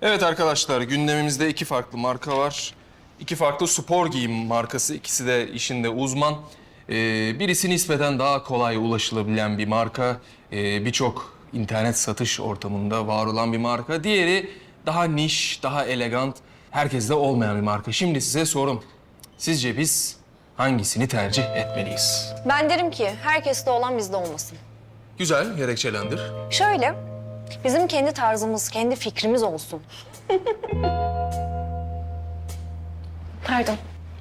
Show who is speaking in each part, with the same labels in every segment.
Speaker 1: Evet arkadaşlar, gündemimizde iki farklı marka var. İki farklı spor giyim markası. İkisi de işinde uzman. Birisi nispeten daha kolay ulaşılabilen bir marka. Birçok internet satış ortamında var olan bir marka. Diğeri daha niş, daha elegant, herkeste olmayan bir marka. Şimdi size sorum. Sizce biz hangisini tercih etmeliyiz?
Speaker 2: Ben derim ki herkeste olan bizde olmasın.
Speaker 1: Güzel, gerekçelendir.
Speaker 2: Şöyle, bizim kendi tarzımız, kendi fikrimiz olsun. Pardon.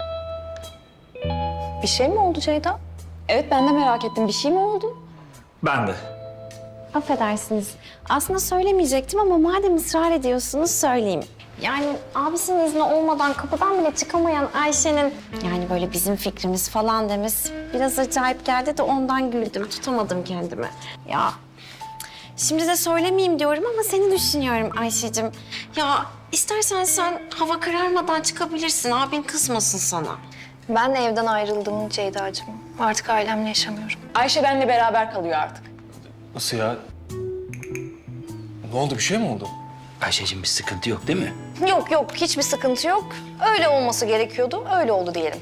Speaker 2: Bir şey mi oldu Ceyda?
Speaker 3: Evet, ben de merak ettim. Bir şey mi oldu?
Speaker 4: Ben de.
Speaker 3: Affedersiniz. Aslında söylemeyecektim ama madem ısrar ediyorsunuz söyleyeyim. Yani abisinin izni olmadan kapıdan bile çıkamayan Ayşe'nin... yani böyle bizim fikrimiz falan demesi biraz acayip geldi de ondan güldüm. Tutamadım kendimi. Ya şimdi de söylemeyeyim diyorum ama seni düşünüyorum Ayşe'cim. Ya istersen sen hava kararmadan çıkabilirsin. Abin kızmasın sana.
Speaker 2: Ben de evden ayrıldım Ceyda'cığım. Artık ailemle yaşamıyorum.
Speaker 5: Ayşe benimle beraber kalıyor artık.
Speaker 1: Nasıl ya? Ne oldu, bir şey mi oldu?
Speaker 4: Ayşe'cim bir sıkıntı yok değil mi?
Speaker 2: Yok yok, hiçbir sıkıntı yok. Öyle olması gerekiyordu, öyle oldu diyelim.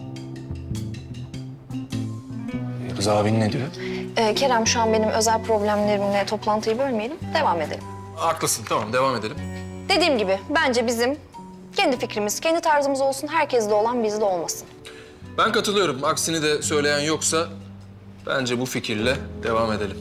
Speaker 1: Rıza abin ne diyor?
Speaker 2: Kerem, şu an benim özel problemlerimle toplantıyı bölmeyelim, devam edelim.
Speaker 1: Haklısın, tamam devam edelim.
Speaker 2: Dediğim gibi, bence bizim kendi fikrimiz, kendi tarzımız olsun, herkeste olan bizde olmasın.
Speaker 1: Ben katılıyorum. Aksini de söyleyen yoksa bence bu fikirle devam edelim.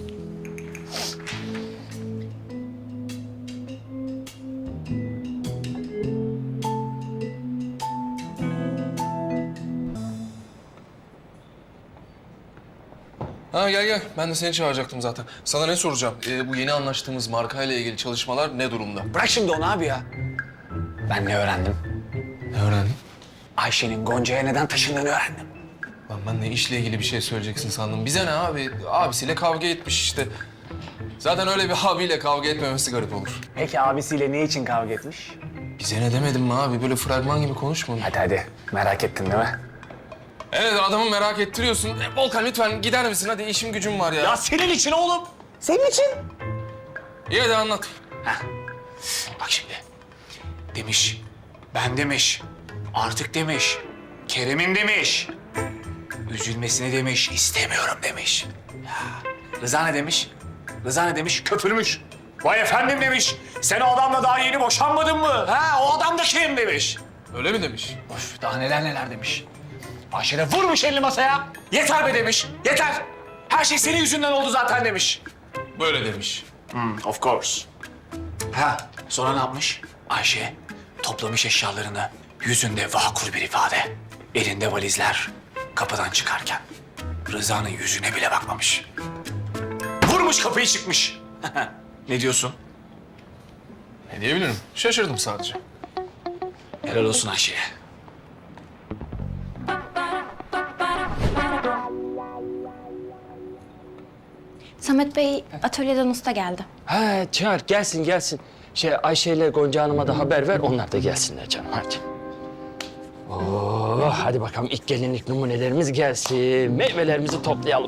Speaker 1: Ha gel gel. Ben de seni çağıracaktım zaten. Sana ne soracağım? Bu yeni anlaştığımız markayla ilgili çalışmalar ne durumda?
Speaker 4: Bırak şimdi onu abi ya. Ben ne öğrendim?
Speaker 1: Ne öğrendin?
Speaker 4: Ayşe'nin Gonca'ya neden taşındığını öğrendim.
Speaker 1: Lan ben de işle ilgili bir şey söyleyeceksin sandım. Bize ne abi? Abisiyle kavga etmiş işte. Zaten öyle bir abiyle kavga etmemesi garip olur.
Speaker 4: Peki abisiyle ne için kavga etmiş?
Speaker 1: Bize ne demedim mi abi? Böyle fragman gibi konuşma.
Speaker 4: Hadi merak ettin değil mi?
Speaker 1: Evet, adamı merak ettiriyorsun. Volkan lütfen gider misin? Hadi işim gücüm var ya.
Speaker 4: Ya senin için oğlum. Senin için.
Speaker 1: İyi hadi anlat.
Speaker 4: Bak şimdi. Demiş. Ben demiş. Artık demiş. Kerem'in demiş. Üzülmesini demiş. İstemiyorum demiş. Ya. Rıza ne demiş? Rıza ne demiş? Köpürmüş. Vay efendim demiş. Sen o adamla daha yeni boşanmadın mı? Ha, o adam da kim demiş.
Speaker 1: Öyle mi demiş?
Speaker 4: Of, daha neler neler demiş. Ayşe de vurmuş elini masaya. Yeter be demiş. Yeter. Her şey senin yüzünden oldu zaten demiş.
Speaker 1: Böyle demiş.
Speaker 4: Of course. Ha, sonra ne yapmış? Ayşe toplamış eşyalarını. Yüzünde vakur bir ifade. Elinde valizler. Kapıdan çıkarken Rıza'nın yüzüne bile bakmamış. Vurmuş kapıyı çıkmış. Ne diyorsun?
Speaker 1: Ne diyebilirim? Şaşırdım sadece.
Speaker 4: Helal olsun Ayşe'ye.
Speaker 3: Samet Bey atölyeden usta geldi.
Speaker 6: Ha çağır gelsin gelsin. Ayşe ile Gonca Hanım'a da haber ver, onlar da gelsinler canım hadi. Oo, hadi bakalım ilk gelinlik numunelerimiz gelsin. Meyvelerimizi toplayalım.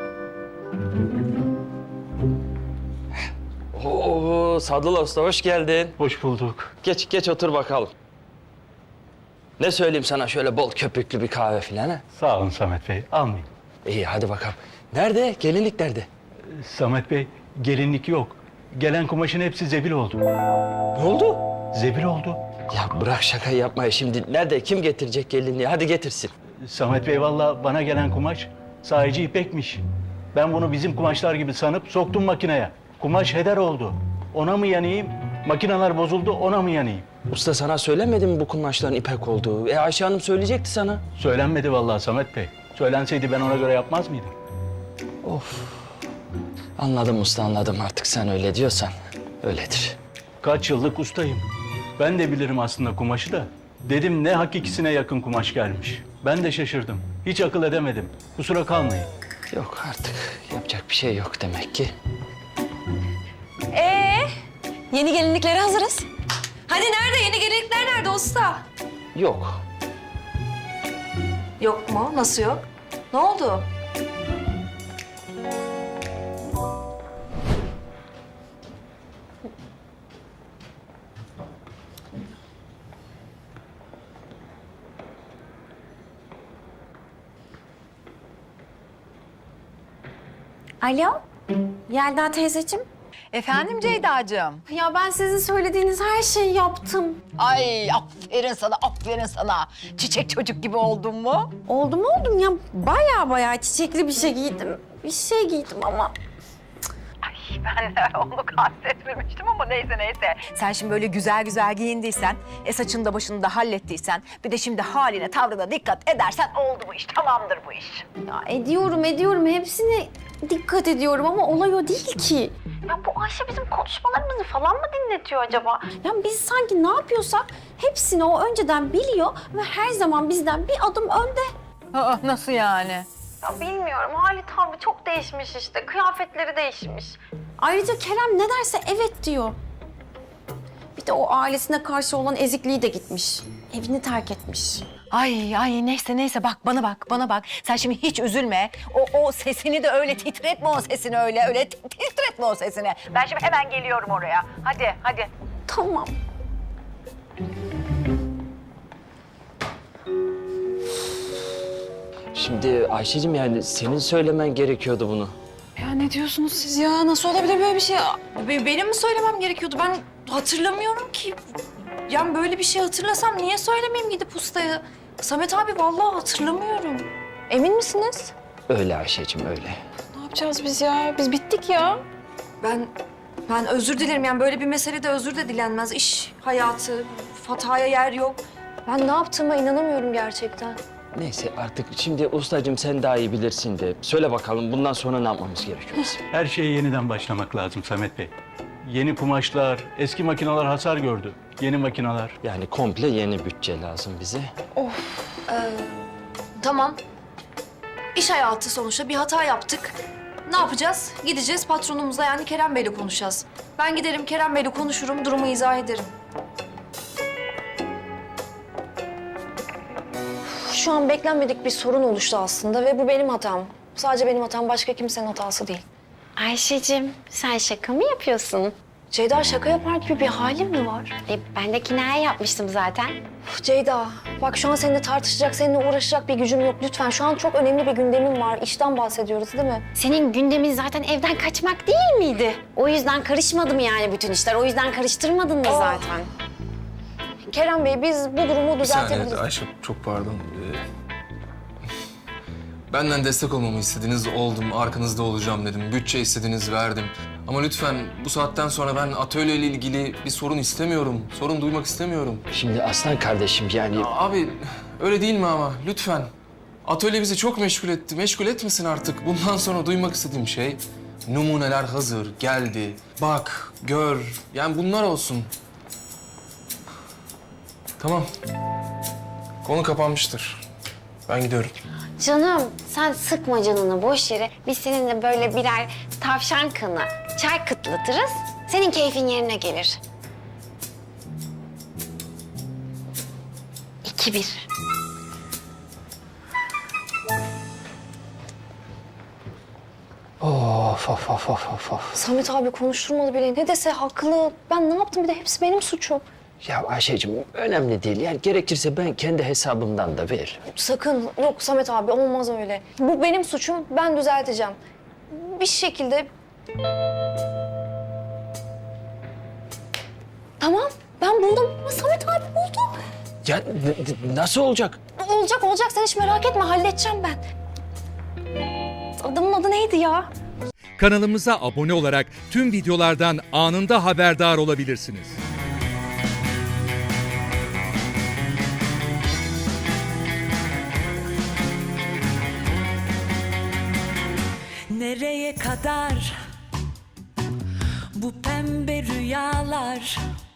Speaker 6: Oo, Sadullah Usta hoş geldin.
Speaker 7: Hoş bulduk.
Speaker 6: Geç otur bakalım. Ne söyleyeyim sana, şöyle bol köpüklü bir kahve filan ha?
Speaker 7: Sağ olun Samet Bey. Almayın.
Speaker 6: İyi hadi bakalım. Nerede? Gelinlik nerede?
Speaker 7: Samet Bey, gelinlik yok. Gelen kumaşın hepsi zebil oldu.
Speaker 6: Ne oldu?
Speaker 7: Zebil oldu.
Speaker 6: Ya bırak şaka yapmayı şimdi. Nerede? Kim getirecek gelinliği? Hadi getirsin.
Speaker 7: Samet Bey vallahi bana gelen kumaş sahici ipekmiş. Ben bunu bizim kumaşlar gibi sanıp soktum makineye. Kumaş heder oldu. Ona mı yanayım? Makineler bozuldu, ona mı yanayım?
Speaker 6: Usta sana söylemedi mi bu kumaşların ipek olduğu? Ayşe Hanım söyleyecekti sana.
Speaker 7: Söylenmedi vallahi Samet Bey. Söylenseydi ben ona göre yapmaz mıydım?
Speaker 6: Anladım usta, anladım. Artık sen öyle diyorsan öyledir.
Speaker 7: Kaç yıllık ustayım. Ben de bilirim aslında kumaşı da. Dedim ne hakikisine yakın kumaş gelmiş. Ben de şaşırdım. Hiç akıl edemedim. Kusura kalmayın.
Speaker 6: Yok artık yapacak bir şey yok demek ki.
Speaker 2: Yeni gelinliklere hazırız. Hadi nerede? Yeni gelinlikler nerede usta?
Speaker 6: Yok.
Speaker 2: Yok mu? Nasıl yok? Ne oldu?
Speaker 3: Alo, Yelda teyzeciğim.
Speaker 8: Efendim Ceyda'cığım.
Speaker 3: Ya ben sizin söylediğiniz her şeyi yaptım.
Speaker 8: Ay aferin sana, aferin sana. Çiçek çocuk gibi oldun mu?
Speaker 3: Oldum ya. Baya çiçekli bir şey giydim. Bir şey giydim ama...
Speaker 8: Ben de onu kastetmemiştim ama neyse. Sen şimdi böyle güzel güzel giyindiysen, saçını da başını da hallettiysen, bir de şimdi haline, tavrına dikkat edersen oldu bu iş, tamamdır bu iş.
Speaker 3: Ya ediyorum. Hepsine dikkat ediyorum ama olay o değil ki. Ya bu Ayşe bizim konuşmalarımızı falan mı dinletiyor acaba? Ya biz sanki ne yapıyorsak hepsini o önceden biliyor ve her zaman bizden bir adım önde.
Speaker 8: Aa, nasıl yani?
Speaker 3: Ya bilmiyorum. Hali tavrı çok değişmiş işte. Kıyafetleri değişmiş. Ayrıca Kerem ne derse evet diyor. Bir de o ailesine karşı olan ezikliği de gitmiş. Evini terk etmiş.
Speaker 8: Ay neyse bak bana bak. Sen şimdi hiç üzülme. O sesini de öyle titretme o sesini öyle titretme o sesini. Ben şimdi hemen geliyorum oraya. Hadi.
Speaker 3: Tamam.
Speaker 6: Şimdi Ayşe'cim yani senin söylemen gerekiyordu bunu.
Speaker 2: Ya ne diyorsunuz siz ya? Nasıl olabilir böyle bir şey? Benim mi söylemem gerekiyordu? Ben hatırlamıyorum ki. Yani böyle bir şey hatırlasam niye söylemeyeyim gidip ustaya? Samet abi vallahi hatırlamıyorum. Emin misiniz?
Speaker 6: Öyle Ayşe'cim öyle.
Speaker 2: Ne yapacağız biz ya? Biz bittik ya. Ben özür dilerim. Yani böyle bir meselede özür de dilenmez. İş hayatı, hataya yer yok. Ben ne yaptığıma inanamıyorum gerçekten.
Speaker 6: Neyse artık şimdi ustacığım sen daha iyi bilirsin de söyle bakalım bundan sonra ne yapmamız gerekiyor bizim?
Speaker 7: Her şeye yeniden başlamak lazım Samet Bey. Yeni kumaşlar, eski makineler hasar gördü. Yeni makineler.
Speaker 6: Yani komple yeni bütçe lazım bize.
Speaker 2: Tamam. İş hayatı sonuçta bir hata yaptık. Ne yapacağız? Gideceğiz patronumuzla yani Kerem Bey'le konuşacağız. Ben giderim Kerem Bey'le konuşurum, durumu izah ederim. Şu an beklenmedik bir sorun oluştu aslında ve bu benim hatam. Sadece benim hatam, başka kimsenin hatası değil.
Speaker 3: Ayşe'cim sen şaka mı yapıyorsun?
Speaker 2: Ceyda şaka yapar gibi bir halim mi var?
Speaker 3: Ben de kinaye yapmıştım zaten.
Speaker 2: Ceyda, bak şu an seninle tartışacak, seninle uğraşacak bir gücüm yok lütfen. Şu an çok önemli bir gündemim var. İşten bahsediyoruz değil mi?
Speaker 3: Senin gündemin zaten evden kaçmak değil miydi? O yüzden karışmadım yani bütün işler. O yüzden karıştırmadın da zaten.
Speaker 2: Kerem Bey, biz bu durumu
Speaker 1: Bir saniye
Speaker 2: düzeltebiliriz.
Speaker 1: Ayşe, çok pardon. Benden destek olmamı istediniz, oldum. Arkanızda olacağım dedim. Bütçe istediniz, verdim. Ama lütfen bu saatten sonra ben atölyeyle ilgili bir sorun istemiyorum. Sorun duymak istemiyorum.
Speaker 6: Şimdi aslan kardeşim yani
Speaker 1: Abi öyle değil mi ama? Lütfen. Atölye bizi çok meşgul etti. Meşgul etmesin artık. Bundan sonra duymak istediğim şey... Numuneler hazır, geldi. Bak, gör. Yani bunlar olsun. Tamam. Konu kapanmıştır. Ben gidiyorum.
Speaker 3: Canım sen sıkma canını boş yere. Biz seninle böyle birer tavşan kanı çay kıtlatırız. Senin keyfin yerine gelir. 2-1.
Speaker 6: of.
Speaker 2: Samet abi konuşturmadı bile. Ne dese haklı. Ben ne yaptım bir de hepsi benim suçum.
Speaker 6: Ya Ayşe'cim önemli değil. Yani gerekirse ben kendi hesabımdan da veririm.
Speaker 2: Sakın. Yok Samet abi olmaz öyle. Bu benim suçum. Ben düzelteceğim. Bir şekilde... Tamam. Ben buldum. Samet abi buldum.
Speaker 6: Ya nasıl olacak?
Speaker 2: Olacak. Sen hiç merak etme. Halledeceğim ben. Adamın adı neydi ya?
Speaker 9: Kanalımıza abone olarak tüm videolardan anında haberdar olabilirsiniz.
Speaker 10: Nereye kadar bu pembe rüyalar,